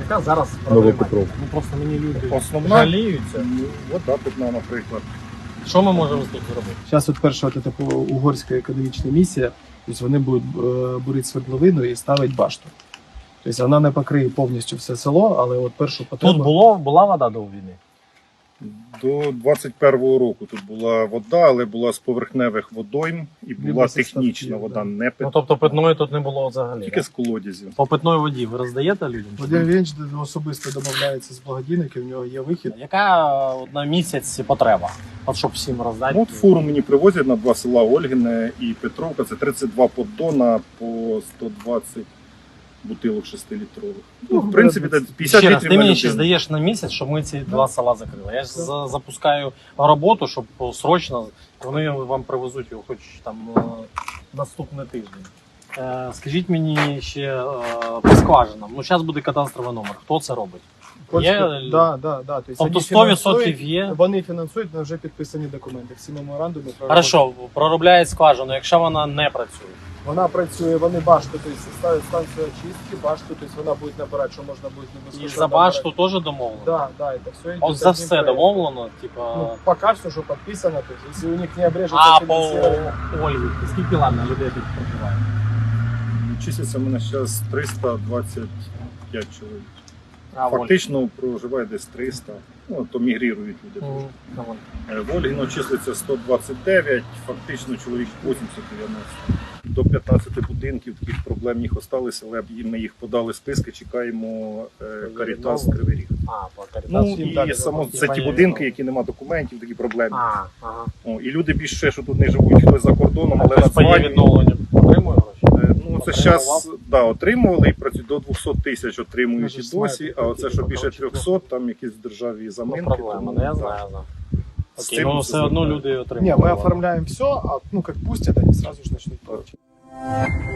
яка зараз проблема? Новопетровка. Ну просто мені люди Основна жаліються. вода питна, наприклад. Що ми можемо тут зробити? Зараз от перша от эта угорська економічна місія, тобто вони будуть бурити свердловину і ставити башту. Тобто вона не покриє повністю все село, але от першу потребу... Тут була вода до війни? До 21-го року тут була вода, але була з поверхневих водойм і була Либо зі технічна ставків, вода, да. не Ну питна. тобто питної тут не було взагалі. Тільки Да? з колодязів. По питної воді ви роздаєте людям? Вадим Вінч особисто домовляється з благодійників, в нього є вихід. Яка на місяць потреба? От щоб всім роздати. Ну, от фуру мені привозять на два села Ольгине і Петровка. Це 32 поддона по 120 бутилок 6-літрових. Ну, в принципі, це 50 Ще раз, літрів ти на мені ще людину. здаєш на місяць, щоб ми ці два села закрили. Я ж запускаю роботу, щоб срочно вони вам привезуть його хоч там наступний тиждень. Скажіть мені ще по скважинам. Ну, зараз буде кадастровий номер. Хто це робить? Є? Да. Тобто вони 100% є? Вони фінансують, але вже підписані документи. Всі меморандуми про роботу. Хорошо, проробляють скважину, якщо вона не працює. Вона працює, вони башту, тобто ставлять станцію очистки, башту, тобто вона буде набирати, що можна буде не І безкоштовно за башту теж домовлено? Да, это все От за все домовлено, типа. Ну, пока все, что подписано, то есть, если у них не обрежется А по финансирование. Ольгі, скільки ладно людей тут проживає? Числиться в мене зараз 325 чоловік. А, в Ольгі. Фактично проживає десь 300, ну, то мігрірують люди. Мгм. Давай. В Ольгіно числиться 129, фактично чоловік 80-90. До 15 будинків таких проблемних осталися, але ми їх подали списки, чекаємо Карітас Кривий Ріг. А, по Карітасу. Ну всім і далі само типа це ті є будинки, відомо. які нема документів, такі проблемні. Ага. О, і люди більше, що тут не живуть, хтось за кордоном, але Хтось по її надзванюють. відновленню отримує гроші? Ну, це зараз отримували і працюють до 200 тисяч отримують Може, і досі, знаєте, а оце, що такі більше 300, там якісь державі Ну, заминки. проблема, тому, ну я так. знаю. З Окей, цим ну все все одно зробили. люди Не, отримують. мы оформляем все, а ну как пустят, они сразу же начнут платить.